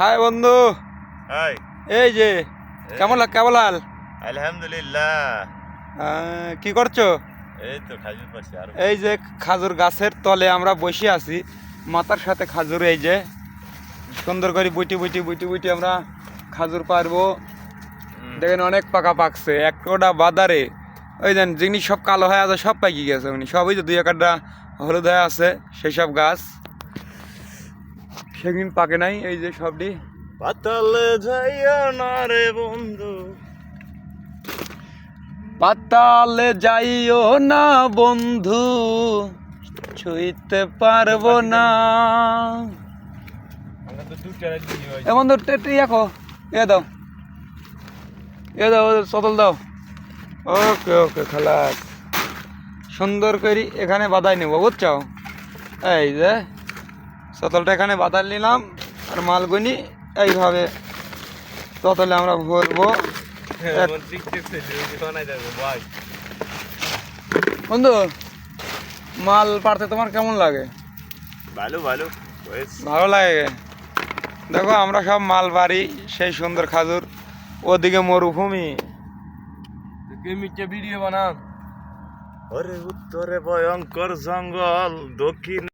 High বন্ধু। High. এই যে কেমন লাল? আলহামদুলিল্লাহ। কি করছো? এই তো খাজুর পাশে আর এই যে খাজুর গাছের তলে আমরা বসে আছি, মাথার সাথে খাজুর। এই যে সুন্দর করে বুটি বুটি বুটি বুটি আমরা খাজুর পারবো। দেখেন অনেক পাকা পাকছে, একটা বাদারে ওই দেন জিনিস সব কালো হয়ে আছে, সব পাকি গেছে। উনি সবই তো দুই একটা হলুদ হয়ে আছে, সেই সব গাছ সেদিন পাকে নাই। এই যে সবটি পাতালে যাইও না রে বন্ধু, পাতালে যাইও না বন্ধু, ছুঁইতে পারবো না। এ বন্ধু ইয়াকো এ দাও, এ দাও, চতল দাও। ওকে ওকে খালাস, সুন্দর করে এখানে বাদাই নেবো, বুঝছো? এই যে চতলটা এখানে বাদাই নিলাম, আর মালগুনি এইভাবে চতলে আমরা ভরবো। বন্ধু, মাল পাড়তে তোমার কেমন লাগে? ভালো ভালো ভালো লাগে। দেখো আমরা সব মাল বাড়ি, সেই সুন্দর খাজুর, ওদিকে মরুভূমি। ভিডিও বানান। ওরে উত্তরে ভয়ঙ্কর জঙ্গল, দক্ষিণ